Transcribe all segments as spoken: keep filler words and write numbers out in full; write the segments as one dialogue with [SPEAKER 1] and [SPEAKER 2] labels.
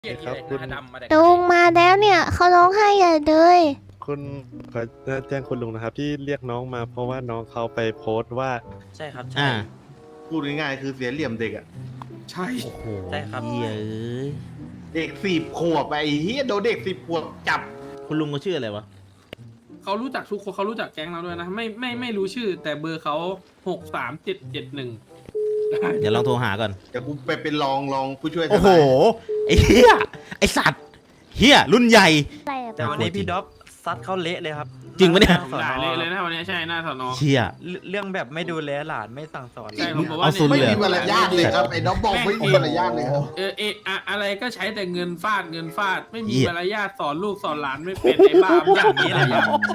[SPEAKER 1] เกียรติอะไรหน้าดำมาแต่
[SPEAKER 2] ลุงมาแล้วเนี่ยเขาร้องไห้ใหญ่เลย
[SPEAKER 3] คุณขอแจ้งคุณลุงนะครับที่เรียกน้องมาเพราะว่าน้องเขาไปโพสต์ว่า
[SPEAKER 4] ใช่ครับใช่
[SPEAKER 5] อ่า
[SPEAKER 6] พูดง่ายๆคือเสียเหลี่ยมเด็กอ่ะ
[SPEAKER 1] ใช่
[SPEAKER 5] โอ้โห
[SPEAKER 4] ใช่ครับ
[SPEAKER 5] เหี้ยเอ้ย
[SPEAKER 6] เด็กสิบขวบไอ้เฮียโดนเด็กสิบขวบจับ
[SPEAKER 5] คุณลุงเขาชื่ออะไรวะ
[SPEAKER 7] เขารู้จักทุกคนเขารู้จักแก๊งเราด้วยนะ ไม่ไม่ไม่รู้ชื่อ แต่เบอร์เขาหกสามเจ็ดเจ็ดหนึ่ง
[SPEAKER 5] เดี๋ยวลองโทรหาก่อน
[SPEAKER 6] เดี๋ยวกูไปเป็นรองรองผู้ช่วยท
[SPEAKER 5] โอ้โห
[SPEAKER 6] นาย
[SPEAKER 5] ไอ้เหี้ย ไอ้สัตว์ เหี้ย รุ่นใหญ่
[SPEAKER 2] อะไรอะ
[SPEAKER 4] แต่วันนี้พี่ด็อบซัดเขาเละเลยครับ
[SPEAKER 5] จริงปะเนี่ย
[SPEAKER 7] ด่าเละเลยนะวันนี้ใช่หน้าสอนอ
[SPEAKER 5] เชี่ย
[SPEAKER 4] เรื่องแบบไม่ดูแลหลานไม่สั่งสอน
[SPEAKER 7] ใช่ผมบอกว่า
[SPEAKER 5] เอาสุด
[SPEAKER 6] ไม่
[SPEAKER 5] เลย
[SPEAKER 6] มีมารยาทเลยครับไอ้น้องบอกไม่มีมารยาทเลยครับ
[SPEAKER 7] เออเอออะอะไรก็ใช้แต่เงินฟาดเงินฟาด ไม่มี
[SPEAKER 5] เหี้ย
[SPEAKER 7] มารยาทสอนลูกสอนหลานไม่เป็นไอ้บ้าอย่างนี้เลยอะ
[SPEAKER 4] ใช่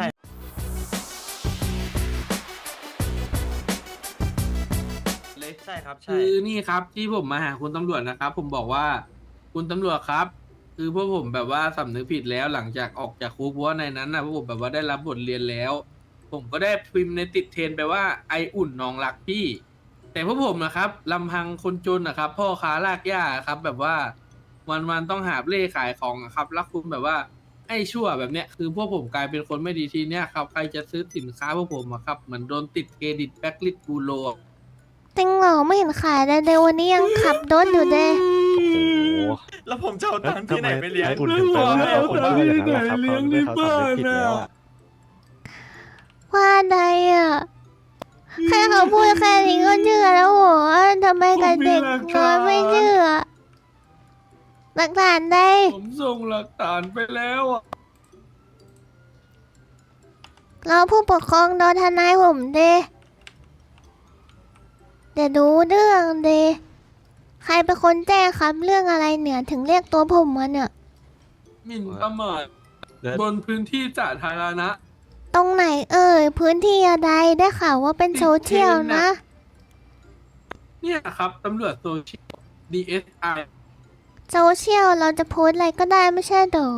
[SPEAKER 7] เลย
[SPEAKER 4] ใช่ครับใช่
[SPEAKER 7] คือนี่ครับที่ผมมาหาคุณตำรวจนะครับ ผมบอกว่าคุณตำรวจครับ คือพวกผมแบบว่าสำนึกผิดแล้วหลังจากออกจากคุกเพราะว่าในนั้นนะพวกผมแบบว่าได้รับบทเรียนแล้ว ผมก็ได้พิมพ์ในติดเทรนไปว่าไออุ่นน้องรักพี่ แต่พวกผมนะครับลำพังคนจนนะครับ พ่อค้าลากหญ้าครับ แบบว่าวันๆต้องหาเล่ขายของอะครับแล้วคุณแบบว่าไอ้ชั่วแบบเนี้ยคือพวกผมกลายเป็นคนไม่ดีทีเนี้ยครับใครจะซื้อสินค้าพวกผมอะครับเหมือนโดนติดเครดิตแบ็คลิสต์บูโร
[SPEAKER 2] จริงเหรอไม่เห็นขายเลยเดี๋ยววันนี้ยังขับรถอยู่เลย
[SPEAKER 3] โอ้โห
[SPEAKER 4] แล้วผมจะเอา
[SPEAKER 3] แล้ว
[SPEAKER 4] ตังค์
[SPEAKER 3] ทำ
[SPEAKER 4] ที่ไห
[SPEAKER 3] ไม
[SPEAKER 4] นไปเลี้ยง
[SPEAKER 3] ไอ้อุ่นถึงไปว่าเขาคนว่าอย่างนั้นล่ะครับเขาไม่เขาสำนึกผิดแล้วอะ
[SPEAKER 2] ว่าใดอ่ะแค่เขาพูดแค่นี้ก็เชื่อแล้วเหรอทำไมกับเด็กน้อยไม่เชื่อหลักฐานใด
[SPEAKER 7] ผมส่งหลักฐานไปแล้วอะ
[SPEAKER 2] เราผู้ปกครองโดนทนายผมเดเดี๋ยวดูเรื่องเดใครเป็นคนแจ้งครับเรื่องอะไรเนี่ยถึงเรียกตัวผมมาเนี่ย
[SPEAKER 7] หมิ่นประมาท
[SPEAKER 3] แล้ว
[SPEAKER 7] บนพื้นที่สาธารณะ
[SPEAKER 2] ตรงไหนเอ่ยพื้นที่อะไรได้ข่าวว่าเป็นโซเชียลนะ
[SPEAKER 7] เนี่ยครับตำรวจโซเชียล ดี เอส ไอ
[SPEAKER 2] โซเชียลเราจะโพสต์อะไรก็ได้ไม่ใช่เหรอ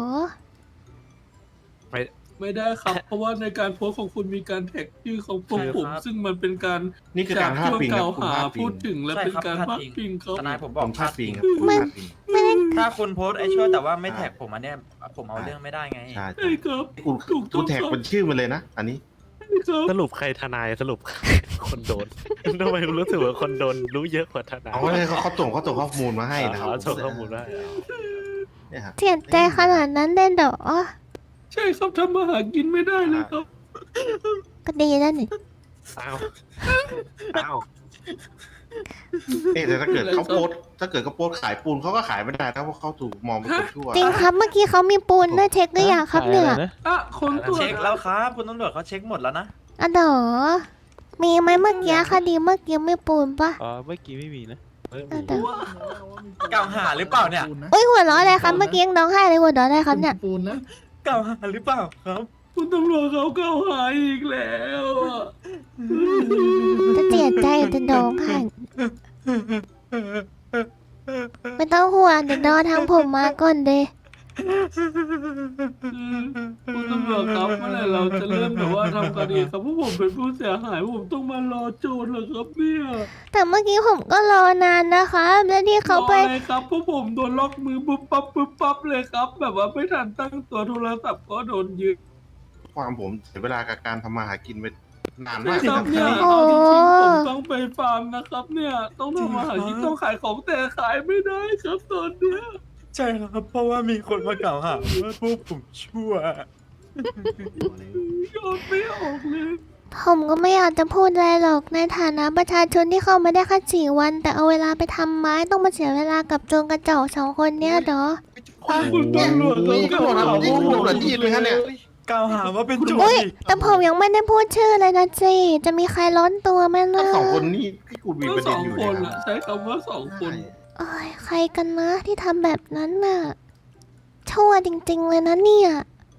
[SPEAKER 7] ไม่ได้ครับ เพราะว่าในการโพสต์ของคุณมีการแท็กชื่อของพวกผม ซึ่งมันเป็นการ
[SPEAKER 6] นี่คือการพาดพิง
[SPEAKER 7] ก
[SPEAKER 6] ครั
[SPEAKER 7] ล่า
[SPEAKER 6] บ
[SPEAKER 7] ว
[SPEAKER 6] คุณ
[SPEAKER 7] หา
[SPEAKER 6] พาดพิ
[SPEAKER 7] พู
[SPEAKER 6] ง
[SPEAKER 7] ดถึงและเป็นการพาดพิงเขา
[SPEAKER 4] ทนายผมบ
[SPEAKER 6] ผ
[SPEAKER 4] อก
[SPEAKER 6] มพาดพิงครับ
[SPEAKER 4] พ
[SPEAKER 6] ผมพาดพิง
[SPEAKER 2] ไม่ได้
[SPEAKER 4] ถ้าคุณโพสต์ไอ้ชั่วแต่ว่าไม่แท็กผมอันเนี้ยผมเอาเรื่องไม่ได้ไง
[SPEAKER 6] ใช่
[SPEAKER 7] ใช่ครับ
[SPEAKER 6] กูกูแท็กเป็นชื่อมันเลยนะ อันนี้
[SPEAKER 7] ครับ
[SPEAKER 3] สรุปใครทนายสรุป คนโดน ทำไมรู้สึกว่าคนโดนรู้เยอะกว่าทนาย
[SPEAKER 6] เอาเลยเขาเขาส่งเขาส่งข้อมูลมาให้นะครับ
[SPEAKER 3] อ๋อส่งข้อมูลได้
[SPEAKER 6] เนี่ยครับ
[SPEAKER 2] เสียใจขนาดนั้นได้เหรอ
[SPEAKER 7] ใช่ครับทำมาหากินไม่ได้เลยครับ
[SPEAKER 2] ก็ดีแล้วนี่
[SPEAKER 3] อ้าวอ้าว
[SPEAKER 6] เอ๊ะแต่ถ้าเกิดเขาโพสต์ถ้าเกิดเขาโพสต์ขายปูนเขาก็ขายไม่ได้ถ้าว่าเขาถูกมองเป็นคนชั่ว
[SPEAKER 2] จริงครับเมื่อกี้เขามีปูนด้วยเช็คหรือยังครับเนี่ย
[SPEAKER 7] อ่ะคนตรวจ
[SPEAKER 4] เช็คแล้วครับคุณตำรวจเขาเช็คหมดแล้วนะ
[SPEAKER 2] อ่ะเหรอมีไหมเมื่อกี้คดีเมื่อกี้ไม่ปูนปะ
[SPEAKER 3] อ๋อเมื่อกี้ไม่มีนะไม่
[SPEAKER 2] อ่ะ
[SPEAKER 3] มี
[SPEAKER 2] เดี๋ยว
[SPEAKER 4] กล่าวหาหรือเปล่าเนี่ย
[SPEAKER 2] โอ้ยหัวเราะอะไรครับเมื่อกี้ยังร้องไห้เลยหัวเราะอะไรครับเนี่ย
[SPEAKER 7] ปูนนะ
[SPEAKER 4] กล่าวหาหรือเปล่าครับ
[SPEAKER 7] คุณตำรวจเขากล่าวหาอีกแล้วอะ
[SPEAKER 2] จะเสียใจจะร้องไห้ไม่ต้องห่วงเดี๋ยวรอทางผมมาก่อนเดย
[SPEAKER 7] คุณตำรวจครับเมื่อไหร่เราจะเริ่มแบบว่าทำคดีครับเพราะผมเป็นผู้เสียหายผมต้องมารอโจทย์เหรอครับเนี่ย
[SPEAKER 2] แต่เมื่อกี้ผมก็รอนานนะครับแล้วที่เขาไป
[SPEAKER 7] รออะไรครับเพราะผมโดนล็อกมือปุ๊บปั๊บปุ๊บปั๊บเลยครับ แบบว่าไม่ทันตั้งตัวโทรศัพท์ก็โดนยึด
[SPEAKER 6] ความผมเสียเวลากับการทำมาหากินไปนานมาก
[SPEAKER 7] ค
[SPEAKER 6] ค
[SPEAKER 7] รั
[SPEAKER 6] รั
[SPEAKER 7] บบ เนี่ย
[SPEAKER 2] โอ้
[SPEAKER 7] เอาจริงๆผมต้องไปฟาร์มนะครับ เนี่ยต้องทำมาหากินต้องขายของแต่ขายไม่ได้ครับตอนเนี้ย
[SPEAKER 4] ใช่ครับเพราะว่ามีคนมากล่าวหาว่าพวกผมชั่ว
[SPEAKER 7] ยอดไม่ออกเลย
[SPEAKER 2] ผมก็ไม่อยากจะพูดอะไรหรอกในฐานะประชาชนที่เข้ามาได้แค่สี่วัน แต่เอาเวลาไปทำไม้ต้องมาเสียเวลากับโจรกระจอกสองคนเนี้ยเหรอ
[SPEAKER 7] คุณตำรวจ
[SPEAKER 6] นี่ก็บอกนะนี่คุณตำรวจจีนเลยครับเนี่ย
[SPEAKER 4] กล่าวหาว่าเป็นโจร
[SPEAKER 2] อุ้ย
[SPEAKER 4] อีก
[SPEAKER 2] แต่ผมยังไม่ได้พูดชื่อเลยนะจีจะมีใครล้นตัวไหม
[SPEAKER 6] ทั้
[SPEAKER 2] นะ
[SPEAKER 6] งสองคนนี่ที่คุณมี
[SPEAKER 7] ก็
[SPEAKER 6] ประ
[SPEAKER 7] ส
[SPEAKER 6] เด็
[SPEAKER 7] อน ง
[SPEAKER 6] อยู่
[SPEAKER 7] ค
[SPEAKER 6] เน
[SPEAKER 7] น
[SPEAKER 6] ย
[SPEAKER 7] อะใช้คำว่าสองคน
[SPEAKER 2] โอ้ยใครกันนะที่ทำแบบนั้นน่ะชั่วจริงๆเลยนะเนี่ย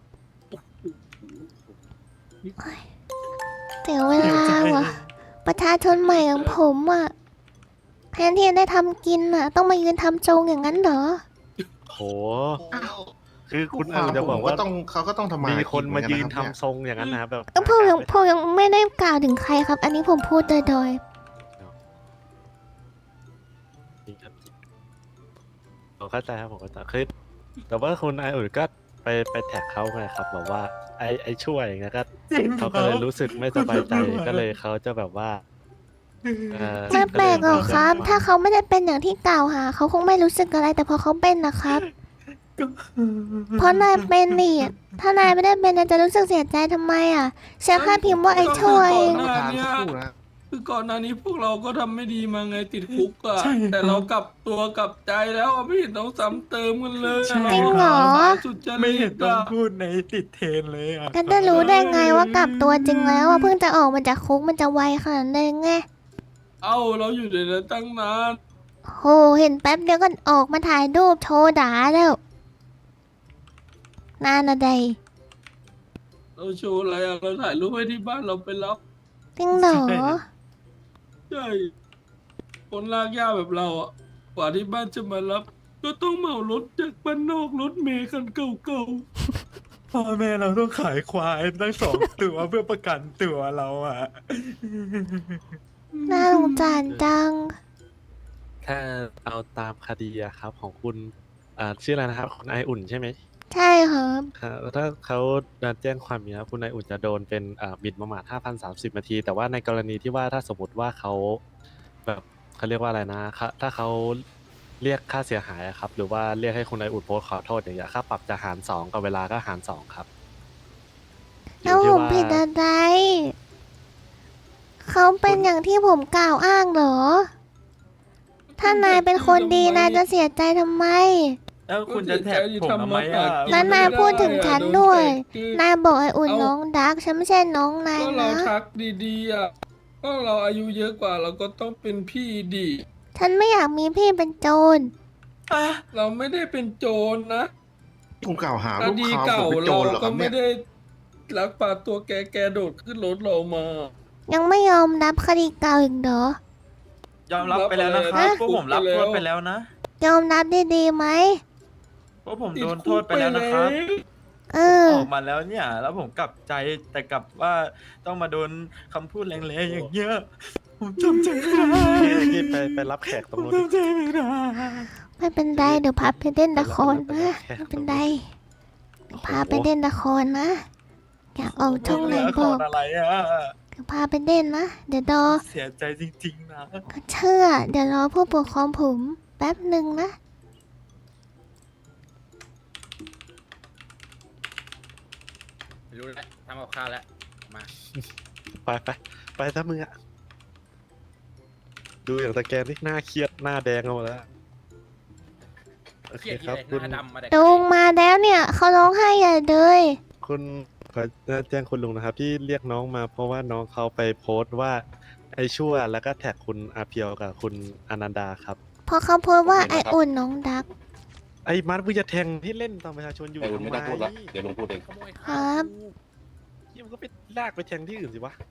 [SPEAKER 2] โอ๊ยเสียเวลาวะประชาชนใหม่อย่างผมอ่ะแทนที่จะได้ทำกินอ่ะ ต้องมายืนทำโจงอย่างนั้นเหรอ
[SPEAKER 3] โห คือคุณ
[SPEAKER 6] ค
[SPEAKER 3] อาว
[SPEAKER 6] าม
[SPEAKER 3] จะ
[SPEAKER 6] ผ
[SPEAKER 3] บอก
[SPEAKER 6] มก็
[SPEAKER 3] ว่า
[SPEAKER 6] ต้องเขาก็ต้องทำมา
[SPEAKER 3] มี
[SPEAKER 6] มี
[SPEAKER 3] คนมายืนทำทรงอย่างนั้นนะครับแบบ
[SPEAKER 2] ก็ผมยังผมยังไม่ได้กล่าวถึงใครครับ อันนี้ผมพูดโดยโดย
[SPEAKER 3] จริงครับจริงโดนเข้าใจครับผมเข้าใจคือแต่ว่าคุณไออุ่นก็ไปไปแท็กเขาไงครับแบบว่าไอไอช่วยอย่างเงี้ยก็
[SPEAKER 4] จริง
[SPEAKER 3] เขาก็เลยรู้สึกไม่สบายใจก็เลยเขาจะแบบว่าเอ่อ
[SPEAKER 2] ไม่แปลกหรอกครับ
[SPEAKER 3] ก็เลย
[SPEAKER 2] ถ้าเขาไม่ได้เป็นอย่างที่กล่าวหาเขาคงไม่รู้สึกอะไร แต่พอเขาเป็นนะครับ เพราะนายเป็นนี่ ถ้านายไม่ได้เป็นนายจะรู้สึกเสียใจทำไมอ่ะฉันแค่พิมพ์ว่าไอ้ช่วย
[SPEAKER 6] ท่านประธานสักครู่นะ
[SPEAKER 7] คือก่อนหน้านี้พวกเราก็ทำไม่ดีมาไงติดคุกอะ
[SPEAKER 4] ใช่ครับ
[SPEAKER 7] แต่เรากลับตัวกลับใจแล้วอะไม่เห็นต้องซ้ำเติมกันเลย
[SPEAKER 4] ใช่
[SPEAKER 2] จริงเหรอ
[SPEAKER 7] สุดจะ
[SPEAKER 4] ไม่เห็นต้อง
[SPEAKER 7] อะ
[SPEAKER 4] พูดในติดเทรนเลยอ่ะ
[SPEAKER 2] กันจะรู้ได้ไงว่ากลับตัวจริงแล้วอ่ะเพิ่งจะออกมาจากคุกมันจะไวขนาดนั้นไง
[SPEAKER 7] เอ้าเราอยู่ในนั้นตั้งนาน
[SPEAKER 2] โหเห็นแป๊บเดียวก็ออกมาถ่ายรูปโชว์ด่าแล้วนานอะไร
[SPEAKER 7] เราโชว์อะไรอะเราถ่ายรูปไว้ที่บ้านเราไปรับ
[SPEAKER 2] จริงเหรอ
[SPEAKER 7] ใช่คนลากย่าแบบเราอะกว่าที่บ้านจะมารับ ก็ต้องเหมารถจากบ้านนอกรถเมล์คันเก่า
[SPEAKER 4] พ่อแม่เราต้องขายควายตั้งสองตัวเพื่อประกันตัวเราอ่ะ
[SPEAKER 2] น่าสงสารจัง
[SPEAKER 3] ถ้าเอาตามคดีอะครับของคุณอ่าชื่ออะไรนะครับคุณไออุ่นใช่ไหม
[SPEAKER 2] ใช่ครับ
[SPEAKER 3] ครับถ้าเขาแจ้งความอย่างนี้ครับคุณไออุ่นจะโดนเป็นอ่าหมิ่นประมาทห้าพันสามสิบนาที แต่ว่าในกรณีที่ว่าถ้าสมมติว่าเขาแบบเขาเรียกว่าอะไรนะครับถ้าเขาเรียกค่าเสียหายอะครับ หรือว่าเรียกให้คุณไออุ่นโพสต์ขอโทษอย่างเงี้ยค่าปรับจะหารสองกับเวลาก็หารสองครับอ
[SPEAKER 2] แล้ว
[SPEAKER 3] ยู่
[SPEAKER 2] ผ
[SPEAKER 3] ที่
[SPEAKER 2] ม
[SPEAKER 3] ว่า
[SPEAKER 2] ผิดอะไร เขาเป็นอย่างที่ผมกล่าวอ้างเหรอ
[SPEAKER 7] ๆ
[SPEAKER 2] ถ้านายเป็นคนดีนายจะเสียใจทำไม
[SPEAKER 4] แล้วคุณจะแท็กผมทำไมอ่ะ
[SPEAKER 2] นั้นนายพูดถึงฉันด้วย นายบอกไอ้อุ่นน้องดัก ฉันไม่ใช่น้องนาย
[SPEAKER 7] ก็เรา
[SPEAKER 2] นะ
[SPEAKER 7] ทักดีๆอ่ะก็เราอายุเยอะกว่าเราก็ต้องเป็นพี่ดี
[SPEAKER 2] ฉันไม่อยากมีพี่เป็นโจร
[SPEAKER 4] อ่ะ
[SPEAKER 7] เราไม่ได้เป็นโจรนะ
[SPEAKER 6] คุณกล่าวหา
[SPEAKER 7] ค
[SPEAKER 6] ลูก
[SPEAKER 7] ดี
[SPEAKER 6] ค้าผ
[SPEAKER 7] เก่าม
[SPEAKER 6] เป็นโจ
[SPEAKER 7] เรา
[SPEAKER 6] รเหรอค
[SPEAKER 7] ก็
[SPEAKER 6] รับ
[SPEAKER 7] ไม่
[SPEAKER 6] เนี่ย
[SPEAKER 7] ได้ลักพาตัวแกแกโดดขึ้นรถเรามา
[SPEAKER 2] ยังไม่ยอมรับคดีเก่าอีกเหรอ
[SPEAKER 4] ยอมรับไปแล้วนะค
[SPEAKER 7] รั
[SPEAKER 4] รั
[SPEAKER 7] บบ ไปแล้ว
[SPEAKER 4] พวกผมรับโทษไปแล้วนะ
[SPEAKER 2] ยอมรับดีๆไหม
[SPEAKER 4] พวกผมโดนโทษไปแล้วนะครับ
[SPEAKER 2] เออ
[SPEAKER 4] ออกมาแล้วเนี่ย แล้วผมกลับใจแต่กลับว่าต้องมาโดนคำพูดแรงๆอย่างเงี้ยผมจำใจไม่ได้
[SPEAKER 3] ที่ที่ไปไปรับแขกต
[SPEAKER 4] ผ
[SPEAKER 3] รง
[SPEAKER 4] ม
[SPEAKER 3] นู้น
[SPEAKER 4] จำใจไม่ได้
[SPEAKER 2] ไม่เป็นไรเดี๋ยวพาไปเล่นละครนะ
[SPEAKER 3] ไปรับ
[SPEAKER 2] ไม่
[SPEAKER 3] ไปรับ
[SPEAKER 2] เป็นไรเดี๋ยวพาไปเล่นละครนะ อยากออกช่องไหน
[SPEAKER 4] ละค
[SPEAKER 2] บอก
[SPEAKER 4] รอะไรอ่ะ
[SPEAKER 2] เดี๋ยวพาไปเล่นนะ เดี๋ยวรอ
[SPEAKER 4] เสียใจจริงๆนะ
[SPEAKER 2] ก็เชื่อ เดี๋ยวรอผู้ปกครองผมแป๊บหนึ่งนะ
[SPEAKER 5] รู้แล้วทำกับข้าวแล้ว มา
[SPEAKER 3] ไปไปไปซะมึงอะดูอย่างตะแกรงนี่หน้าเครียดหน้าแดงเอาหมดแล้วโอ
[SPEAKER 5] เค
[SPEAKER 3] เค
[SPEAKER 5] รียด
[SPEAKER 3] ครับ
[SPEAKER 5] ที่
[SPEAKER 3] คุณ
[SPEAKER 5] ไหนหน้าดำมาแต่
[SPEAKER 2] ลุงมาแล้วเนี่ยเขาร้องไห้ใหญ่เลย
[SPEAKER 3] คุณขอแจ้งคุณลุงนะครับ ที่เรียกน้องมาเพราะว่าน้องเขาไปโพสต์ว่าไอ้ชั่วแล้วก็แท็กคุณอาเพียวกับคุณอนันดาครับ
[SPEAKER 2] พอเขาพูดว่าไออุ่นน้องดัก
[SPEAKER 3] ไอ้มัดมึงจะแทงที่เล่นตอนประชาชนอยู่
[SPEAKER 6] ไอ้อุ่นไม่ต้องพูดละ
[SPEAKER 3] ทำ
[SPEAKER 6] เดี๋ยวลุงพูดเอง
[SPEAKER 5] ขโมย
[SPEAKER 2] ค
[SPEAKER 5] ข้า
[SPEAKER 2] รั
[SPEAKER 5] ว
[SPEAKER 2] บ
[SPEAKER 3] เหี้ยมันก็ไปลากไปแทงที่อื่นสิวะ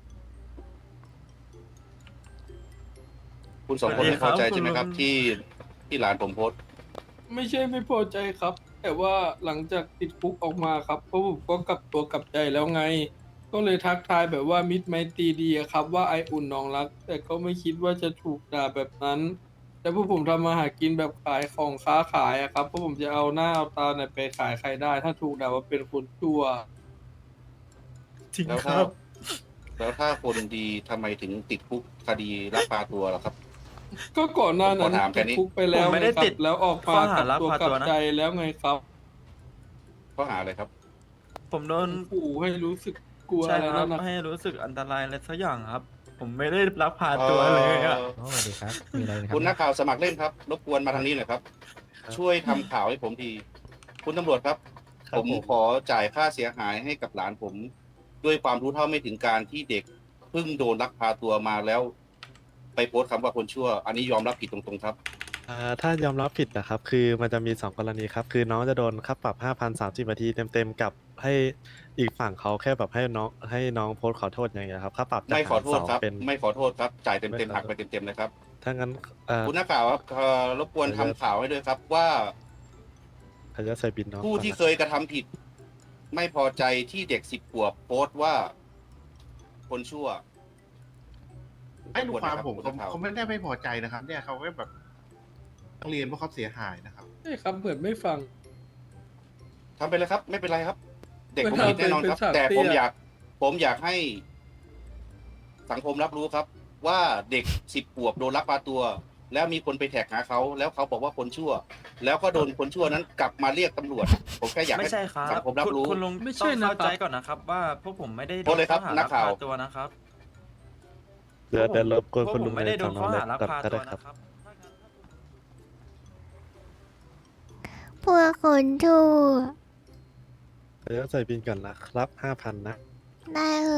[SPEAKER 6] คุณสองคนไม่พอใจใช่ไหมครับ ที่ที่หลานผมโพสต์
[SPEAKER 7] ไม่ใช่ไม่พอใจครับ แต่ว่าหลังจากติดคุกออกมาครับเพราะผมก็กลับตัวกลับใจแล้วไง ก็เลยทักทายแบบว่ามิตรไมตรีดีอะครับ ว่าไออุ่นน้องรัก แต่ก็ไม่คิดว่าจะถูกด่าแบบนั้น แต่พวกผมทำมาหากินแบบขายของค้าขายอะครับเพราะผมจะเอาหน้าเอาตาไหนไปขายใครได้ ถ้าถูกด่าว่าเป็นคนชั่ว
[SPEAKER 4] จริง
[SPEAKER 6] แล้ว
[SPEAKER 4] ค
[SPEAKER 6] ถ้า
[SPEAKER 4] รับ
[SPEAKER 6] แล้วถ้าคนดีทำไมถึงติดคุกคดีลักพาตัวล่ะครับ
[SPEAKER 7] ก็ก่อนหน้านั้น
[SPEAKER 6] ผมขอถามแค่
[SPEAKER 7] ติด
[SPEAKER 6] นี้
[SPEAKER 7] คุกไปแล้ว
[SPEAKER 4] ผมไม่ได้
[SPEAKER 7] งครับ
[SPEAKER 4] ติด
[SPEAKER 7] แล้วออกมา
[SPEAKER 4] ข้อหาก
[SPEAKER 7] ลับตัว
[SPEAKER 4] ลักพาก
[SPEAKER 7] ลั
[SPEAKER 4] ตัว
[SPEAKER 7] บ
[SPEAKER 4] นะ
[SPEAKER 7] ใจแล้วไงครับ
[SPEAKER 6] ข้อหาอะไรครับ
[SPEAKER 4] ผมโดน
[SPEAKER 7] ขู่ให้รู้สึกกลัว
[SPEAKER 4] ใช่
[SPEAKER 7] อะไร
[SPEAKER 4] ครั
[SPEAKER 7] นั่
[SPEAKER 4] บ
[SPEAKER 7] นนะ
[SPEAKER 4] ให้รู้สึกอันตรายอะไรสักอย่างครับ ผมไม่ได้รับพาตัวเลยอ่ะ
[SPEAKER 6] เอ่อ
[SPEAKER 1] อ๋อสวัสดีครับ มีอะไรนะครับ
[SPEAKER 6] คุณนักข่าวสมัครเล่นครับ รบกวนมาทางนี้หน่อยครับ ช่วยทำข่าวให้ผมที คุณตำรวจครับ
[SPEAKER 3] ครั
[SPEAKER 6] ผ
[SPEAKER 3] บ
[SPEAKER 6] ม
[SPEAKER 3] ผม
[SPEAKER 6] ขอจ่ายค่าเสียหายให้กับหลานผม ด้วยความรู้เท่าไม่ถึงการที่เด็กเพิ่งโดนลักพาตัวมาแล้ว ไปโพสต์คำว่าคนชั่ว อันนี้ยอมรับผิดตรงๆครับ
[SPEAKER 3] อ่าถ้ายอมรับผิดนะครับ คือมันจะมีสองกรณีครับ คือน้องจะโดนค่าปรับห้าพันสามสิบนาทีเต็มๆกับให้อีกฝั่งเขาแค่แบบให้น้องให้น้องโพสต์ขอโทษอย่างเงี้ยครับค่าปรับจะ
[SPEAKER 6] ไม่ขอ
[SPEAKER 3] หาร
[SPEAKER 6] โท
[SPEAKER 3] ส
[SPEAKER 6] ษ
[SPEAKER 3] อง
[SPEAKER 6] ครับ
[SPEAKER 3] เป็น
[SPEAKER 6] ไม่ขอโทษครับ จ่าย
[SPEAKER 3] ไม่
[SPEAKER 6] เต็ม
[SPEAKER 3] ขอโทษ
[SPEAKER 6] ๆหักไปเต็มๆเลยครับ
[SPEAKER 3] ถ้างั้นเอ่อ
[SPEAKER 6] คุณนักข่าวครับเอ่อรบกวนทำข่าวให้ด้วยครับ ว่า
[SPEAKER 3] ขออนุญาตใส่บินน้อง
[SPEAKER 6] ผู้
[SPEAKER 3] ก่อน
[SPEAKER 6] ที่
[SPEAKER 3] นะ
[SPEAKER 6] เคยกระทำผิด ไม่พอใจที่เด็กสิบขวบโพสต์ว่า คนชั่ว
[SPEAKER 8] ให้ลูกความผม
[SPEAKER 6] คุณ
[SPEAKER 8] เขา
[SPEAKER 6] นักข่าว
[SPEAKER 8] เขาไม่ได้ไม่พอใจนะครับ เนี่ยเขาก็แบบต้องเรียนว่าเขาเสียหายนะครับ
[SPEAKER 7] ใช่ครับเหมือนไม่ฟัง
[SPEAKER 6] ทำไปเลยครับ ไม่เป็นไรครับ เด็กผม
[SPEAKER 7] มัน
[SPEAKER 6] ผิดแน่นอนครับ
[SPEAKER 7] เป็นฉาก
[SPEAKER 6] แต่
[SPEAKER 7] เตี้ย
[SPEAKER 6] ผมอยาก ผมอยากให้ สังคมรับรู้ครับ ว่าเด็กสิบขวบโดนลักพาตัว แล้วมีคนไปแท็กหาเขาแล้วเขาบอกว่าคนชั่ว แล้วก็โดนคนชั่วนั้นกลับมาเรียกตำรวจ ผมแค่อยาก
[SPEAKER 4] ไม่
[SPEAKER 6] ให้
[SPEAKER 4] ใช่ครับ
[SPEAKER 6] สังคมรับรู้
[SPEAKER 4] คุณคุณลุง
[SPEAKER 7] ไม่
[SPEAKER 4] ต้
[SPEAKER 7] ใช่
[SPEAKER 4] อง
[SPEAKER 7] นะครั
[SPEAKER 4] เข้า
[SPEAKER 7] บ
[SPEAKER 4] ใจก่อนนะครับ ว่าพวกผมไม่ได้โด
[SPEAKER 6] โทษ
[SPEAKER 4] น
[SPEAKER 6] เลยครับ
[SPEAKER 4] ข้อหา
[SPEAKER 6] นั
[SPEAKER 4] ลั
[SPEAKER 6] ก
[SPEAKER 4] ก
[SPEAKER 6] ข่าว
[SPEAKER 4] พาตัวนะครับ
[SPEAKER 3] เดี๋ยวเดี๋ยวรบกวน
[SPEAKER 4] พวก
[SPEAKER 3] คุณ
[SPEAKER 4] ผ
[SPEAKER 3] ลุ
[SPEAKER 4] ม
[SPEAKER 3] ง
[SPEAKER 4] ไม่ได้โดนข้อหาลัก
[SPEAKER 3] ก่อน
[SPEAKER 4] พา
[SPEAKER 3] ก็
[SPEAKER 4] ตั
[SPEAKER 3] ได้
[SPEAKER 4] ว
[SPEAKER 3] ครับ
[SPEAKER 4] นะครับ
[SPEAKER 2] พวกคนชั่ว
[SPEAKER 3] เดี๋ยวใส่บินก่อนนะครับห้าพันนะ
[SPEAKER 2] ได้เลย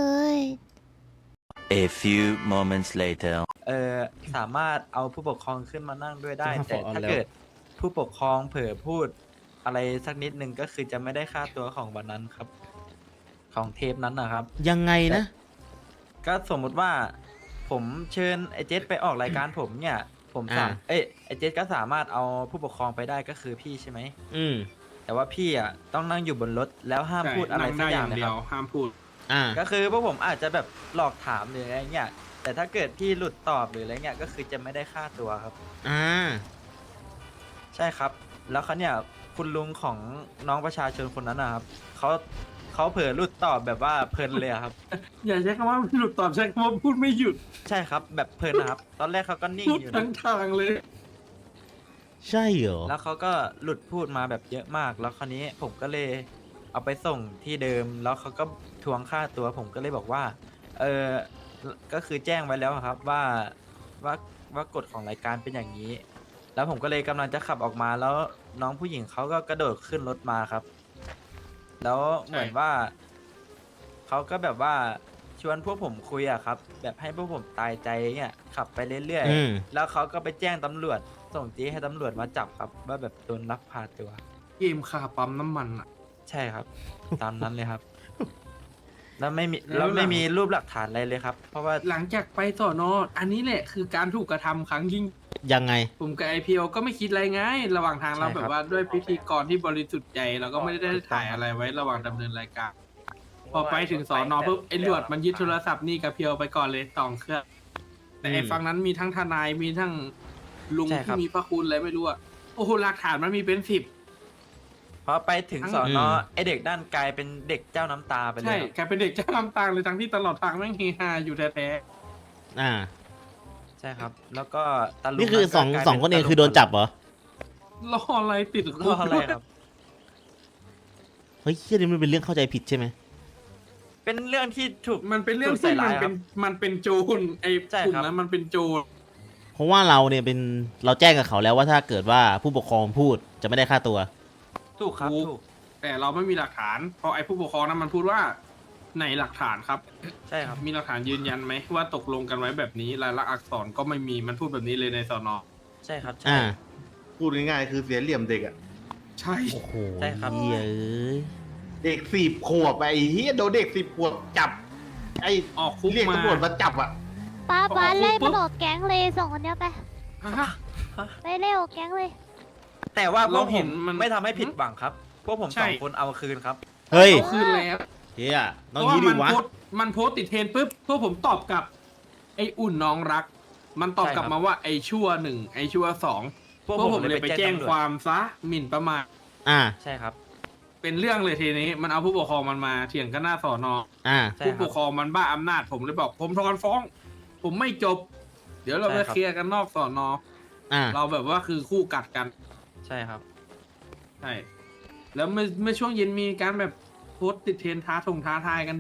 [SPEAKER 1] A few moments later.
[SPEAKER 4] เออสามารถเอาผู้ปกครองขึ้นมานั่งด้วยได้
[SPEAKER 5] จะ
[SPEAKER 4] แต่
[SPEAKER 5] ขอเอา
[SPEAKER 4] ถ้า
[SPEAKER 5] แล้ว
[SPEAKER 4] เกิดผู้ปกครองเผลอพูดอะไรสักนิดนึงก็คือจะไม่ได้ค่าตัวของวันนั้นครับ ของเทปนั้นนะครับ
[SPEAKER 5] ยังไงนะ
[SPEAKER 4] ก็สมมุติว่าผมเชิญไอเจสไปออกรายการผมเนี่ย ผมสาม
[SPEAKER 5] อ่า
[SPEAKER 4] เอ้ยไอเจสก็สามารถเอาผู้ปกครองไปได้ก็คือพี่ใช่ไหม
[SPEAKER 5] อืม
[SPEAKER 4] แต่ว่าพี่อ่ะต้องนั่งอยู่บนรถแล้วห้ามพูดอะไรสักอย่างเลยครับ
[SPEAKER 7] ห้ามพูด
[SPEAKER 5] อ่า
[SPEAKER 4] ก็คือพวกผมอาจจะแบบหลอกถามหรืออะไรเงี้ยแต่ถ้าเกิดพี่หลุดตอบหรืออะไรเงี้ยก็คือจะไม่ได้ค่าตัวครับ
[SPEAKER 5] อ่า
[SPEAKER 4] ใช่ครับ แล้วเขาเนี่ยคุณลุงของน้องประชาชนคนนั้นนะครับเขาเขาเผลอหลุดตอบแบบว่าเพลินเลยอะครับ
[SPEAKER 7] อย่าใช้คำว่าหลุดตอบใช้คำว่าพูดไม่หยุด
[SPEAKER 4] ใช่ครับแบบเพลินนะครับ ตอนแรกเขาก็นิ่ง
[SPEAKER 7] พูด
[SPEAKER 4] อยู่
[SPEAKER 7] ทั้
[SPEAKER 4] นะ
[SPEAKER 7] งทางเลย
[SPEAKER 5] ใช่เหรอ
[SPEAKER 4] แล้วเขาก็หลุดพูดมาแบบเยอะมาก แล้วคราวนี้ผมก็เลยเอาไปส่งที่เดิม แล้วเขาก็ทวงค่าตัว ผมก็เลยบอกว่า เออก็คือแจ้งไว้แล้วครับว่าว่าว่ากฎของรายการเป็นอย่างนี้ แล้วผมก็เลยกำลังจะขับออกมา แล้วน้องผู้หญิงเขาก็กระโดดขึ้นรถมาครับ แล้วเหมือนว่าเขาก็แบบว่าชวนพวกผมคุยอะครับ แบบให้พวกผมตายใจเนี่ยขับไปเรื่อย
[SPEAKER 5] อืม
[SPEAKER 4] ๆแล้วเขาก็ไปแจ้งตำรวจ ส่งจีให้ตำรวจมาจับครับ ว่าแบบโดนลักพาตัว
[SPEAKER 7] เกมคาปั๊มน้ำมันอ่ะ
[SPEAKER 4] ใช่ครับ ตามนั้นเลยครับ แล้วไม่มี
[SPEAKER 7] แล้
[SPEAKER 4] แล้ว
[SPEAKER 7] วหลัง
[SPEAKER 4] ไม่มีรูปหลักฐานอะไรเลยครับ เพราะว่า
[SPEAKER 7] หลังจากไปสอนออันนี้แหละคือการถูกกระทำครั้งยิ่ง
[SPEAKER 5] ยังไง
[SPEAKER 7] ผมกับไอพีโอก็ไม่คิดอะไรไงระหว่างทางเรา
[SPEAKER 4] ใช่ครับ
[SPEAKER 7] แบบว่าด้วยพิธีกรที่บริสุทธิ์ใจเราก็ไม่ได้ถ่ายอะไรไว้ระหว่างดำเนินรายการ พอไปถึงสอนอปุ๊บไอหลวดมันยึดโทรศัพท์นี่กับเพียวไปก่อนเลยสองเครื่องแต่ไอ
[SPEAKER 5] อืม
[SPEAKER 7] ฝั่งนั้นมีทั้งทนายมีทั้งลุงที่มีพระคุณอะไรไม่รู้อะโอ้โหหลักฐานมันมีเป็นสิบ
[SPEAKER 4] พอไปถึง
[SPEAKER 7] ทั้ง
[SPEAKER 4] สอนอ
[SPEAKER 5] อืม
[SPEAKER 4] ไอเด็กด้านกลายเป็นเด็กเจ้าน้ำตาไปเล
[SPEAKER 7] ใช่
[SPEAKER 4] ยครับ
[SPEAKER 7] กลายเป็นเด็กเจ้าน้ำตาเลยทั้งที่ตลอดทางแม่งเฮฮาอยู่แท้
[SPEAKER 5] อ่า
[SPEAKER 4] ใช่ครับ แล้วก็ตาลุง
[SPEAKER 5] นี่คือสอง
[SPEAKER 4] ก็กลาย
[SPEAKER 5] สองคนเอง
[SPEAKER 4] ตาลุ
[SPEAKER 5] คือโดนจับเหรอ
[SPEAKER 7] ๆรออะไรติด
[SPEAKER 4] ร
[SPEAKER 7] คุ
[SPEAKER 4] อก อะไรครับ
[SPEAKER 5] เฮ้ยเฮียนี่มันเป็นเรื่องเข้าใจผิดใช่ไหม
[SPEAKER 4] เป็นเรื่องที่ถูก
[SPEAKER 7] มันเป็นเรื่อง
[SPEAKER 4] ถูกใส่
[SPEAKER 7] ที่มั
[SPEAKER 4] ร้าน ยค
[SPEAKER 7] เป็
[SPEAKER 4] รั
[SPEAKER 7] น
[SPEAKER 4] บ
[SPEAKER 7] มันเป็นโจรไอ้
[SPEAKER 4] ใช่
[SPEAKER 7] กลุ่ม
[SPEAKER 4] ครับ
[SPEAKER 7] นั้นมันเป็นโจร
[SPEAKER 5] เพราะว่าเราเนี่ยเป็น เราแจ้งกับเขาแล้วว่าถ้าเกิดว่าผู้ปกครองพูดจะไม่ได้ค่าตัว
[SPEAKER 4] ถูกครับถูก
[SPEAKER 7] แต่เราไม่มีหลักฐานเพราะไอ้ผู้ปกครองนั้นมันพูดว่าไหนหลักฐานครับ
[SPEAKER 4] ใช่ครับ
[SPEAKER 7] มีหลักฐานยืนยันไหมว่าตกลงกันไว้แบบนี้ลายลักษณ์อักษรก็ไม่มีมันพูดแบบนี้เลยในสอนอ
[SPEAKER 4] ใช่ครับใช่
[SPEAKER 5] อ่า
[SPEAKER 8] พูดง่ายๆคือเสียเหลี่ยมเด็กอะ
[SPEAKER 7] ใช่
[SPEAKER 5] โอ้โห
[SPEAKER 4] ใช่ครับ
[SPEAKER 5] เฮียเอ้ย
[SPEAKER 8] เด็กสิบขวบอะไอ้เฮียโดนเด็กสิบขวบจับ ไอ้
[SPEAKER 7] ออกคุก
[SPEAKER 8] เรียก
[SPEAKER 7] มา
[SPEAKER 8] ตำรวจมาจับอะ
[SPEAKER 2] ป้าป้า
[SPEAKER 7] พอ
[SPEAKER 2] ไล่
[SPEAKER 7] ปุ๊
[SPEAKER 2] มัน
[SPEAKER 7] บ
[SPEAKER 2] ออกแก๊งเลยส่งคนเนี้ยไป
[SPEAKER 7] ฮะ
[SPEAKER 2] ไปเร็วแก๊งเลย
[SPEAKER 4] แต่ว่าพวก
[SPEAKER 7] เรา
[SPEAKER 4] ผ
[SPEAKER 7] เห็
[SPEAKER 4] ม
[SPEAKER 7] นมัน
[SPEAKER 4] ไม่ทำให้ผิดหวังครับ พวกผม
[SPEAKER 7] ใช่
[SPEAKER 4] สองคนเอาคืนครับ
[SPEAKER 5] เฮ้ย
[SPEAKER 7] เอาคืนแล้ว
[SPEAKER 5] เฮีย
[SPEAKER 7] เพ
[SPEAKER 5] ต้อง
[SPEAKER 7] ราะว่า
[SPEAKER 5] งี้ดิ
[SPEAKER 7] มัน
[SPEAKER 5] วะ
[SPEAKER 7] โพสต์มันโพสต์ติดเทรนด์ปุ๊บพวกผมตอบกลับ ไอ้อุ่นน้องรัก มันตอบกลับ
[SPEAKER 4] ใช่ครับ
[SPEAKER 7] มาว่าไอ้ชั่วหนึ่งไอ้ชั่วสอง
[SPEAKER 4] พวก
[SPEAKER 7] พวก
[SPEAKER 4] ผ
[SPEAKER 7] ผม มเลยไปแจ้ง
[SPEAKER 4] ตำรจ
[SPEAKER 7] ความซะหมิ่นประมาท
[SPEAKER 5] อ่า
[SPEAKER 4] ใช่ครับ
[SPEAKER 7] เป็นเรื่องเลยทีนี้ มันเอาผู้ปกครองมันมาเถียงกันหน้าสอนอ
[SPEAKER 5] อ่า
[SPEAKER 4] ใช่
[SPEAKER 7] ผู้
[SPEAKER 4] ค
[SPEAKER 7] ป
[SPEAKER 4] รับ
[SPEAKER 7] กครองมันบ้าอำนาจผมเลยบอก ผมถอนฟ้อง ผมไม่จบ เดี๋ยวเรา
[SPEAKER 4] ใช่
[SPEAKER 7] ไป
[SPEAKER 4] ครับ
[SPEAKER 7] เคลียร์กันนอกสอนอ
[SPEAKER 5] อ่า
[SPEAKER 7] เราแบบว่าคือคู่กัดกัน
[SPEAKER 4] ใช่ครับ
[SPEAKER 7] ใช่ แล้วเมื่อเมื่อช่วงเย็นมีการแบบโพสต์ติดเทรนด์ท้าทงท้าทายกัน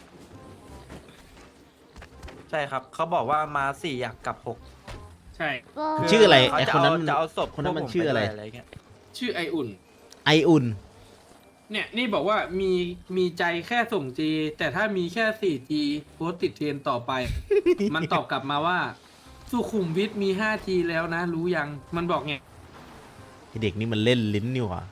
[SPEAKER 4] ใช่ครับ เขาบอกว่ามาสี่อยากกลับหก
[SPEAKER 7] ใช่
[SPEAKER 2] ก็
[SPEAKER 5] ชื่ออะไร
[SPEAKER 4] เขา
[SPEAKER 5] ไอ้
[SPEAKER 4] จะ
[SPEAKER 5] คนนั้น
[SPEAKER 4] เอา
[SPEAKER 5] มัน
[SPEAKER 4] จะเอาศพ
[SPEAKER 5] คนนั้นมัน
[SPEAKER 4] พวกผ
[SPEAKER 5] ชื่ออะไร
[SPEAKER 4] ปด้วยอะไรเงี้ย
[SPEAKER 7] ชื่อไออุ่น
[SPEAKER 5] ไออุ่น
[SPEAKER 7] เนี่ยนี่บอกว่ามีมีใจแค่ส่งจีแต่ถ้ามีแค่ สี่จี โพสต์ติดเทรนด์ต่อไป มันตอบกลับมาว่า สุขุมวิทมี ห้าจี แล้วนะ รู้ยัง มันบอกไง
[SPEAKER 5] ไอ้เด็กนี่มันเล่นลิ้นนี่หว่า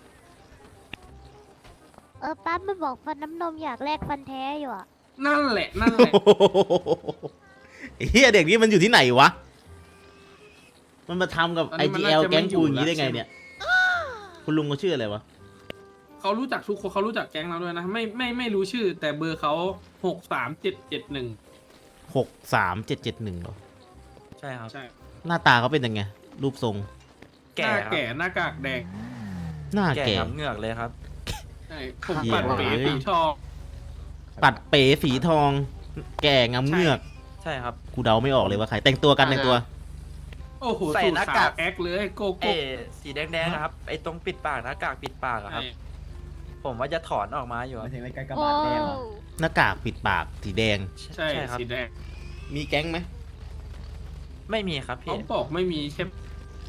[SPEAKER 2] เออป้ามันบอกฟันน้ำนมอยากแลกฟันแท้อยู่อ่ะ
[SPEAKER 7] นั่นแหละ นั่นแหละ
[SPEAKER 5] ไอ้เฮียเด็กนี่มันอยู่ที่ไหนวะ มันมาทำกับ
[SPEAKER 7] ตอน
[SPEAKER 5] ไอ
[SPEAKER 7] นี้มัน
[SPEAKER 5] จี
[SPEAKER 7] น่า
[SPEAKER 5] แอล
[SPEAKER 7] จะไม่
[SPEAKER 5] แก๊งกู
[SPEAKER 7] อยู่
[SPEAKER 5] อย่างนี้ได้ไง
[SPEAKER 7] แล้ว
[SPEAKER 5] เนี่ย คุณลุงเขาชื่ออะไรวะ
[SPEAKER 7] เขารู้จักทุกคนเขารู้จักแก๊งเราด้วยนะ ไม่ไม่ไม่รู้ชื่อ แต่เบอร์เขาหกสามเจ็ดเจ็ดหนึ่ง
[SPEAKER 5] หกสามเจ็ดเจ็ดหนึ่งเหรอ
[SPEAKER 4] ใช่ครับ
[SPEAKER 7] ใช่
[SPEAKER 5] หน้าตาเขาเป็นยังไง รูปทรง
[SPEAKER 7] ห
[SPEAKER 4] แก่
[SPEAKER 7] น้า
[SPEAKER 4] ครับ
[SPEAKER 7] แก่หน้ากากแดง
[SPEAKER 5] หน้า
[SPEAKER 4] แก่
[SPEAKER 5] แก่
[SPEAKER 4] ครับเหงือกเลยครับ
[SPEAKER 7] ใช่ผม
[SPEAKER 5] เหี้ย
[SPEAKER 7] ปัดเป๋สีทอง
[SPEAKER 5] ปัดเป๋สีทอง แก่งำเงือก
[SPEAKER 4] ใช่ครับ
[SPEAKER 5] กูเดาไม่ออกเลยว่าใครแต่งตัวกันแต่งตัว
[SPEAKER 7] โอ้โห
[SPEAKER 4] ใส่
[SPEAKER 7] สูต
[SPEAKER 4] ห
[SPEAKER 7] ร
[SPEAKER 4] น้า
[SPEAKER 7] ขาก
[SPEAKER 4] าว ก
[SPEAKER 7] แอคเลยโก
[SPEAKER 4] เอ
[SPEAKER 7] โก้
[SPEAKER 4] สีแดงๆนะครับไอ้ตรงปิดปากหน้ากากปิดปากอะครับ ผมว่าจะถอนออกมาอยู่ครับ
[SPEAKER 2] โอ้
[SPEAKER 5] หน้ากากปิดปากสีแดง
[SPEAKER 7] ใช่
[SPEAKER 4] ครับ
[SPEAKER 7] สีแดง
[SPEAKER 5] มีแก๊งไหม
[SPEAKER 4] ไม่มีครับ
[SPEAKER 7] เขา
[SPEAKER 4] พี่
[SPEAKER 7] บอกไม่มีใช่ไหม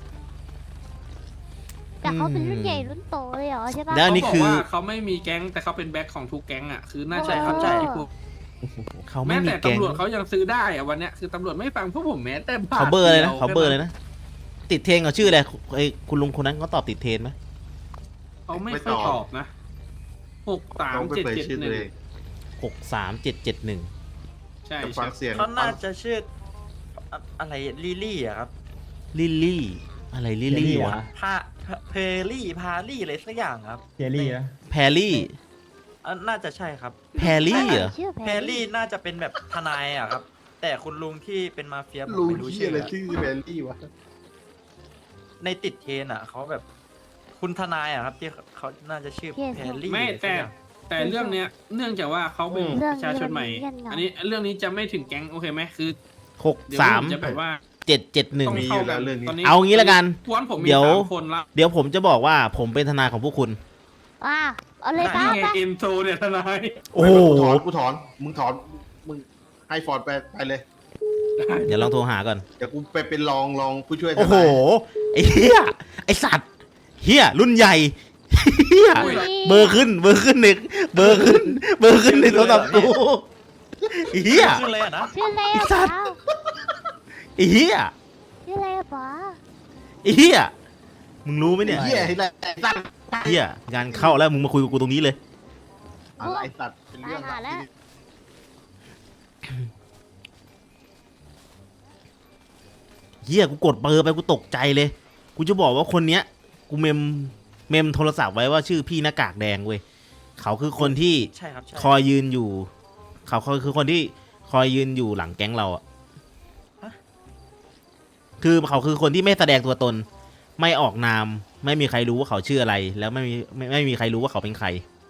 [SPEAKER 2] แต่เขาเป็นรุ่นใหญ่รุ่นโตเลยเหรอใช่ปะ
[SPEAKER 5] แล้วอันนี้
[SPEAKER 7] เขาบ
[SPEAKER 5] คื
[SPEAKER 7] อก
[SPEAKER 5] อ
[SPEAKER 7] ว่าเขาไม่มีแก๊งแต่เขาเป็นแบ็คของทุกแก๊งอ่ะคือน่า
[SPEAKER 2] ใช่
[SPEAKER 7] จะ
[SPEAKER 2] ครับ
[SPEAKER 7] เข้าใจที่พูด
[SPEAKER 5] เขาไม่
[SPEAKER 7] แม้
[SPEAKER 5] มี
[SPEAKER 7] แต่
[SPEAKER 5] แก๊ง
[SPEAKER 7] ตำรวจเขายังซื้อได้อะวันเนี้ยคือตำรวจไม่ฟังพวกผมแม้แต่บาท
[SPEAKER 5] เขาเบอร์เลยนะ
[SPEAKER 7] ดีว
[SPEAKER 5] เขาเบอร์เลยนะ ติดเทรนเขาชื่ออะไรไอ้คุณลุงคนนั้นเขาตอบติดเทรนไหม
[SPEAKER 7] เขาไม่
[SPEAKER 8] ไม่
[SPEAKER 7] ค่อย
[SPEAKER 8] ตอบ
[SPEAKER 7] ตอบนะหกสาม
[SPEAKER 8] เขาไม่
[SPEAKER 7] เจ็ด
[SPEAKER 8] เปิด
[SPEAKER 7] เจ็ด
[SPEAKER 8] ชื่อ
[SPEAKER 7] ห
[SPEAKER 8] ตั
[SPEAKER 7] นึ่
[SPEAKER 8] ว
[SPEAKER 7] ง
[SPEAKER 8] เอง
[SPEAKER 5] หกสามเจ็ดเจ็ดหนึ่ง
[SPEAKER 7] ใช่
[SPEAKER 8] แต่ฟั
[SPEAKER 7] ใช่
[SPEAKER 8] งเสียง
[SPEAKER 4] เขาน่าจะชื่ออะอะไรลิลลี่อะครับ
[SPEAKER 5] ลิลลี่ อะไรลิลลี่วะ
[SPEAKER 4] พาเพลี่พาลี่อะไรสักอย่างครับ
[SPEAKER 9] เจลลี่นะ
[SPEAKER 5] แพรลี่
[SPEAKER 4] อ่ะน่าจะใช่ครับ
[SPEAKER 5] แพรลี่เหรอ
[SPEAKER 2] ชื่อ
[SPEAKER 4] แพรลี่น่าจะเป็นแบบทนายอะครับ แต่คุณลุงที่เป็นมาเฟียผม
[SPEAKER 8] รู้
[SPEAKER 4] ไม่รู้
[SPEAKER 8] ที่
[SPEAKER 4] ชื่อ
[SPEAKER 8] อะไร
[SPEAKER 4] อะ
[SPEAKER 8] ชื่อแบลลี่วะ
[SPEAKER 4] ในติดเทรนอะเขาแบบ คุณทนายอะครับ ที่เขาน่าจะชื่อแพรลี่
[SPEAKER 7] ไม่
[SPEAKER 4] อะไรสั
[SPEAKER 7] แต่
[SPEAKER 4] กอย่าง
[SPEAKER 7] แต่เรื่องเนี้ยเนื่องจากว่าเขาเป็นประชาชนใหม่ อันนี้เรื่องนี้จะไม่ถึงแก๊งโอเคไหมคือ
[SPEAKER 5] หก
[SPEAKER 7] เดี๋ยว
[SPEAKER 5] สาม
[SPEAKER 7] ผมจะแบบว่า
[SPEAKER 5] เจ็ดเจ็ดหนึ่ง
[SPEAKER 7] ต้องเข้ากันตอนนี้
[SPEAKER 5] เอางี้ละกัน
[SPEAKER 7] กวนผมมี
[SPEAKER 5] เดี๋ยว
[SPEAKER 7] สามคนละ
[SPEAKER 5] เดี๋ยวผมจะบอกว่าผมเป็นทนายของพวกคุณ
[SPEAKER 2] ว้าเอาเลยป้า
[SPEAKER 7] นี่ไง
[SPEAKER 2] ป้า
[SPEAKER 7] เอ็นโซเนี่ยทนาย
[SPEAKER 5] โอ้โห
[SPEAKER 8] ถอนกูถอน มึงถอน มึงให้ฟอร์ดไปไปเลย
[SPEAKER 5] เดี๋ยวลองโทรหาก่อน
[SPEAKER 8] เดี๋ยวกูไปเป็นรองรองผู้ช่วยทนาย
[SPEAKER 5] โอ้โห ไอ้เหี้ย ไอ้สัตว์ เหี้ย รุ่นใหญ่ เหี้ย เบอร์ขึ้น เบอร์ขึ้นหนึ่งเบอร์ขึ้น เบอร์ขึ้นในโทรศัพท์กูไอ้เหี้ย
[SPEAKER 4] ขึ้นเลยอะนะ
[SPEAKER 2] ชื่ออะไรอะ
[SPEAKER 5] ไอ้สั
[SPEAKER 2] ป้า
[SPEAKER 5] ตว์ ไอ้เหี้ย
[SPEAKER 2] ชื่ออะไรอะป้า
[SPEAKER 5] ไอ้เหี้ย มึงรู้ไหมเนี่ย
[SPEAKER 8] เหี้ยไอ้สัตว์
[SPEAKER 5] เหี้ย งานเข้าแล้วมึงมาคุยกับกูตรงนี้เลย
[SPEAKER 8] อะไรไอ้สัตว์เป็นเรื่อง
[SPEAKER 2] ตายหาแล้ว
[SPEAKER 5] เหี้ย กูกดเบอร์ไปกูตกใจเลย กูจะบอกว่าคนเนี้ย กูเมม เมมโทรศัพท์ไว้ว่าชื่อพี่หน้ากากแดงเว้ย เขาคือคนที่
[SPEAKER 4] ใช่ครับใช่
[SPEAKER 5] คอยยืนอยู่ เขาเขาคือคนที่คอยยืนอยู่หลังแก๊งเราอะคือเขาคือคนที่ไม่แสดงตัวตน ไม่ออกนาม ไม่มีใครรู้ว่าเขาชื่ออะไร แล้วไม่มีไม่ไม่มีใครรู้ว่าเขาเป็นใคร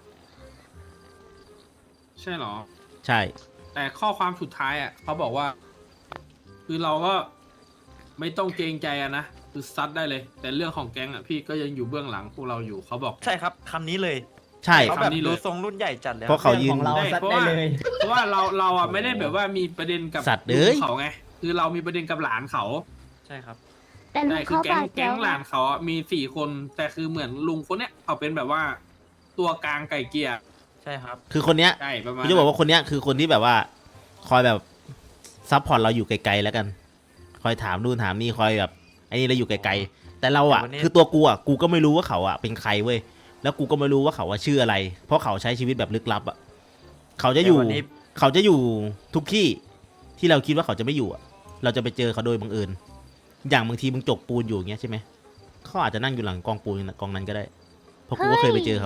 [SPEAKER 7] ใช่เหรอ
[SPEAKER 5] ใช่
[SPEAKER 7] แต่ข้อความสุดท้ายอ่ะเขาบอกว่า คือเราก็ไม่ต้องเกรงใจอะนะคือซัดได้เลย แต่เรื่องของแก๊งอ่ะพี่ก็ยังอยู่เบื้องหลังพวกเราอยู่เขาบอก
[SPEAKER 4] ใช่ครับคำนี้เลย
[SPEAKER 5] ใช่
[SPEAKER 4] เขาแบบ
[SPEAKER 7] คำนี้เลย
[SPEAKER 4] ดูทรงรุ่นใหญ่จัดเลย
[SPEAKER 5] เพราะเขายืน
[SPEAKER 9] ของเรา
[SPEAKER 7] ได้
[SPEAKER 9] ซัด
[SPEAKER 7] เพราะ
[SPEAKER 9] ได้
[SPEAKER 7] ว่า
[SPEAKER 9] เลย
[SPEAKER 7] เพราะว่าเราเราอ่ะไม่ได้แบบว่ามีประเด็นกับ
[SPEAKER 5] สัตว์เอ้ย
[SPEAKER 7] ลุงเขาไงคือเรามีประเด็นกับหลานเขา
[SPEAKER 4] ใช่ครับ
[SPEAKER 2] แต่ลุ
[SPEAKER 7] ใช่
[SPEAKER 2] ง
[SPEAKER 7] คือ
[SPEAKER 2] เขา
[SPEAKER 7] แก๊ง
[SPEAKER 2] บาดเจ็
[SPEAKER 7] แก๊
[SPEAKER 2] บ
[SPEAKER 7] งหลานเขาอะมีสี่คน แต่คือเหมือนลุงคนเนี้ยเขาเป็นแบบว่า ตัวกลางไก่เกลียร์
[SPEAKER 4] ใช่ครับ
[SPEAKER 5] คือคนเนี้ย
[SPEAKER 7] ใช่ประมาณ
[SPEAKER 5] กูจะบอกว่าคนเนี้ยคือคนที่แบบว่า คอยแบบซัพพอร์ตเราอยู่ไกลๆแล้วกัน คอยถามนู่นถามนี่คอยแบบไอ้นี่เราอยู่ไกลๆแต่เราอ่ะ
[SPEAKER 4] แต่วันนี้
[SPEAKER 5] คือตัวกูอ่ะกูก็ไม่รู้ว่าเขาอ่ะเป็นใครเว้ยแล้วกูก็ไม่รู้ว่าเขาว่าชื่ออะไร เพราะเขาใช้ชีวิตแบบลึกลับอ่ะเขาจะอยู่
[SPEAKER 4] แต่วันนี้
[SPEAKER 5] เขาจะอยู่ทุกที่ที่เราคิดว่าเขาจะไม่อยู่อ่ะเราจะไปเจอเขาโดยบังเอิญอย่างบางทีมึงจกปูนอยู่อย่างเงี้ยใช่ไหมเขาอาจจะนั่งอยู่หลังกองปูนกองนั้นก็ได้เพราะกูก็เคยไปเจอเขา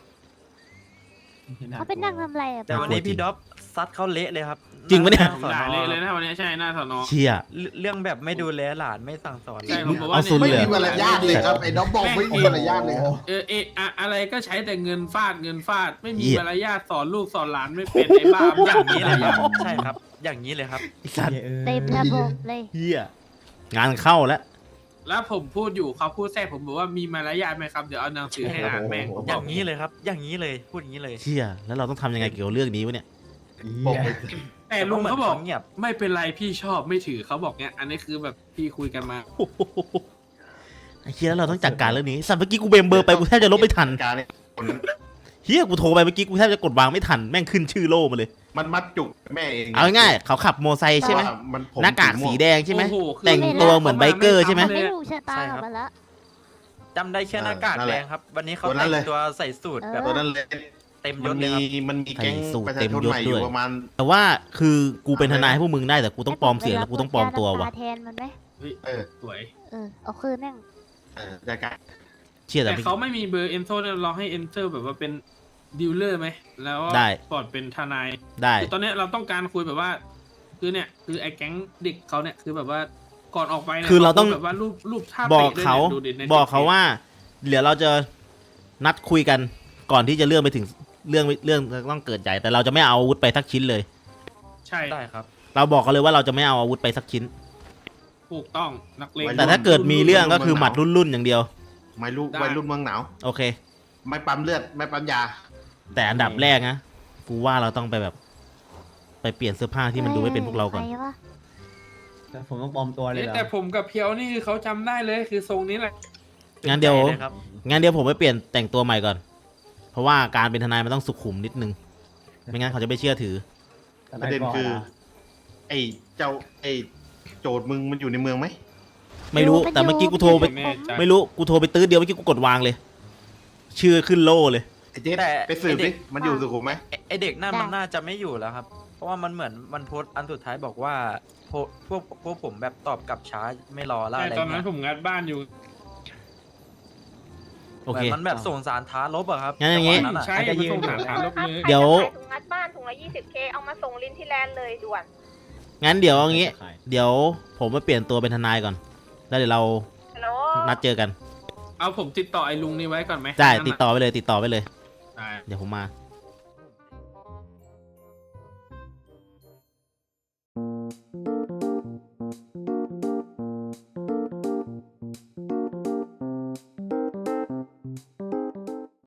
[SPEAKER 2] เขาเป็นนั่งทำอะไรอะ
[SPEAKER 4] แต่
[SPEAKER 2] ป้า
[SPEAKER 4] วันนี้พี่ด็อบซัดเขาเละเลยครับ
[SPEAKER 5] จริงปะเนี่ย
[SPEAKER 4] หา
[SPEAKER 7] ผม
[SPEAKER 4] สอ
[SPEAKER 7] ด่า
[SPEAKER 4] อ
[SPEAKER 7] เลยเลยนะวันนี้ใช่หน้าสอนอ
[SPEAKER 5] เชี่ย
[SPEAKER 4] เรื่องแบบไม่ดูแลหลานไม่สั่งสอน
[SPEAKER 7] ใช่
[SPEAKER 4] เลย
[SPEAKER 7] ผมบอกว่า
[SPEAKER 5] เอาสุด
[SPEAKER 8] ไม่
[SPEAKER 5] เลย
[SPEAKER 8] มีมารยาทเลยครับ ไอ้น้องบอกไม่มีมารยาทเลยครับ
[SPEAKER 7] เออเอออะอะไรก็ใช้แต่เงินฟาดเงินฟาด ไม่มี
[SPEAKER 5] เหี้ย
[SPEAKER 7] มารยาทสอนลูกสอนหลานไม่เป็นไอ้บ้า
[SPEAKER 4] อย่างนี้เลยครับ ใช่ครับ อย่างนี้เลยครับ
[SPEAKER 5] ไอ้สัตว์
[SPEAKER 2] เต็มระบบเลย
[SPEAKER 5] เฮียงานเข้าแล้ว
[SPEAKER 7] แล้วผมพูดอยู่เขาพูดแทรกผมบอกว่ามีมารยาทไหมครับเดี๋ยวเอาหนังสือให้อ่านแม่งผม
[SPEAKER 4] อบ
[SPEAKER 7] อย่าง
[SPEAKER 4] นี้เลยครับ อย่างนี้เลย พูดอย่างนี้เลย
[SPEAKER 5] เชี่ยแล้วเราต้องทำยังไงเกี่ยวกับเรื่องนี้วะเนี่ย
[SPEAKER 8] บอกไป
[SPEAKER 7] แต่ลุงเขาบอก
[SPEAKER 4] เงียบ
[SPEAKER 7] ไม่เป็นไรพี่ชอบไม่ถือเขาบอกเนี้ยอันนี้คือแบบพี่คุยกันมา
[SPEAKER 5] ไอ้เชี่ยแล้วเราต้องจัดการเรื่องนี้สัตว์เมื่อกี้กูเบมเบอร์ไปกูแทบจะลบไม่ทัน
[SPEAKER 8] การเนี่ย
[SPEAKER 5] เฮียกูโทรไปเมื่อกี้กูแทบจะกดวางไม่ทันแม่งขึ้นชื่อโล่มาเลย
[SPEAKER 8] มันมัดจุกแม่เอง
[SPEAKER 5] เอาง่ายๆเขาขับโมไซค์ใช่ไหม
[SPEAKER 8] ว่ามันผม
[SPEAKER 5] หน้ากากสีแดงใช่ไหม
[SPEAKER 7] โอ้โหคือ
[SPEAKER 5] แต่งตัวเหมือนไบเกอร์ใช่ไหม
[SPEAKER 2] ไม่รู้ชะตาของมันละ
[SPEAKER 4] จำได้แค่หน้ากากแดงครับ วันนี้เขาแต่งตัวใส่สูตรแบบ
[SPEAKER 8] ตัวนั้นเลย
[SPEAKER 4] เต็มย
[SPEAKER 8] มัน
[SPEAKER 4] ศเล
[SPEAKER 8] มี
[SPEAKER 4] ยครับ
[SPEAKER 8] มันมีแก๊ง
[SPEAKER 5] ใส่สูท
[SPEAKER 8] ประชา
[SPEAKER 5] เต็ม
[SPEAKER 8] ชน
[SPEAKER 5] ยศ
[SPEAKER 8] ใหม่อ
[SPEAKER 5] ด้
[SPEAKER 8] ยู่
[SPEAKER 5] วย
[SPEAKER 8] ประมาณ
[SPEAKER 5] แต่ว่าคือกูเป็นทนายให้พวกมึงได้แต่กูต้องปลอมเสียงแล้วกูต้องปลอมตัวว่ะ
[SPEAKER 2] ให้ผมไปรับแทนมันไหม
[SPEAKER 7] เฮ้ย
[SPEAKER 8] เออ
[SPEAKER 7] สวย
[SPEAKER 2] เออเอาคืนนั่ง
[SPEAKER 8] เออจัดการ
[SPEAKER 5] เชี่ยแต่
[SPEAKER 7] แต่
[SPEAKER 5] ไม่
[SPEAKER 7] เขาไม่มีเบอร์เอนโซเนี่ยเราให้เอนเตอร์แบบว่าเป็นดีลเลอร์ไหมแล้ว
[SPEAKER 5] ได้
[SPEAKER 7] ปลอดเป็นทนาย
[SPEAKER 5] ได้
[SPEAKER 7] คือตอนเนี้ยเราต้องการคุยแบบว่า คือเนี่ยคือไอ้แก๊งเด็กเขาเนี่ยคือแบบว่าก่อนออกไปนี่ย
[SPEAKER 5] คือเราต้อง
[SPEAKER 7] แบบว่ารูปรูปท่า
[SPEAKER 5] บอก
[SPEAKER 7] ตะด้วย
[SPEAKER 5] เขา
[SPEAKER 7] นี่ยดูดิใน
[SPEAKER 5] บอกเขา
[SPEAKER 7] TikTok
[SPEAKER 5] ว่า เดี๋ยวเราจะนัดคุยกันก่อนที่จะเรื่องไปถึงเรื่องเรื่องต้องเกิดใหญ่แต่เราจะไม่เอาอาวุธไปสักชิ้นเลย
[SPEAKER 7] ใช่
[SPEAKER 4] ได้ครับ
[SPEAKER 5] เราบอกเขาเลยว่าเราจะไม่เอาอาวุธไปสักชิ้น
[SPEAKER 7] ถูกต้องนักเลง
[SPEAKER 5] แต่ถ้าเกิดมีเรื่องก็คือหมัดรุ่นๆอย่างเดียว
[SPEAKER 8] ไม่รู้
[SPEAKER 7] ได้
[SPEAKER 8] วัยรุ่นเมืองหนาว
[SPEAKER 5] โอเค
[SPEAKER 8] ไม่ปั๊มเลือดไม่ปั๊มยา
[SPEAKER 5] แต่อันดับแรกนะกูว่าเราต้องไปแบบ ไปเปลี่ยนเสื้อผ้าที่มันดูไม่เป็นพวกเราก่อน
[SPEAKER 2] ไปวะ
[SPEAKER 9] แต่ผมต้องปลอมตัวเลย
[SPEAKER 7] เอ๊ะ
[SPEAKER 9] เหรอ
[SPEAKER 7] แต่ผมกับเพียวนี่คือเขาจำได้เลยคือทรงนี้แหละ
[SPEAKER 5] งั้นเดี๋ยว
[SPEAKER 4] ใจลครับ
[SPEAKER 5] งั้นเดี๋ยวผมไปเปลี่ยนแต่งตัวใหม่ก่อน เพราะว่าการเป็นทนายมันต้องสุขุมนิดนึง ไม่งั้นเขาจะไม่เชื่อถือ
[SPEAKER 8] ประเด็นคือ ไอ้เจ้าไอ้โจทย์มึงมันอยู่ในเมืองไหม
[SPEAKER 5] ไม่รู้ แต่เมื่อกี้กูโทรไป
[SPEAKER 7] แน่ใจ
[SPEAKER 5] ไม่รู้ กูโทรไปตื้อเดียวเมื่อกี้กูกดวางเลย ชื่อขึ้นโล่เลย
[SPEAKER 8] ไอ้เจ๊
[SPEAKER 4] แต่
[SPEAKER 8] ไปสืบ
[SPEAKER 4] ไอ้เด็
[SPEAKER 8] ดิ
[SPEAKER 4] ก
[SPEAKER 8] มันอยู่สุขุมไหม
[SPEAKER 4] ไอ้ไอเด็กนั่นมันน่าจะไม่อยู่แล้วครับ เพราะว่ามันเหมือนมันโพสต์อันสุดท้ายบอกว่าโพสต์พวกพวกผมแบบตอบกลับช้าไม่รอแล้ว
[SPEAKER 7] ใช่
[SPEAKER 4] อะไร
[SPEAKER 7] ตอนนั้
[SPEAKER 4] เงี้
[SPEAKER 7] น
[SPEAKER 4] ย
[SPEAKER 7] ผมงัดบ้านอยู่
[SPEAKER 5] โอ
[SPEAKER 4] เหมื
[SPEAKER 5] เค
[SPEAKER 4] อนมันแบบส่งสารท้าลบอะครับ
[SPEAKER 5] งั้นอย่างงี้
[SPEAKER 4] จัหวะะ
[SPEAKER 7] ใช่มันส่งหาทางลบเลย
[SPEAKER 5] เดี๋ยว
[SPEAKER 10] ถุงงัดบ้านถุงละยี่สิบเคเอามาส่งลินที่แลนด์เลยด่วน
[SPEAKER 5] งั้นเดี๋ยวเอางี้ เดี๋ยวผมไปเปลี่ยนตัวเป็นทนายก่อน แล้วเดี๋ยวเรา
[SPEAKER 10] ฮัลโหล
[SPEAKER 5] นัดเจอกัน
[SPEAKER 7] เอาผมติดต่อไอ้ลุงนี่ไว้ก่อนไหม
[SPEAKER 5] ได้
[SPEAKER 7] นั่นน่ะ
[SPEAKER 5] ติดต่อไปเลย ติดต่อไปเลย
[SPEAKER 7] ได้
[SPEAKER 5] เดี๋ยวผมมา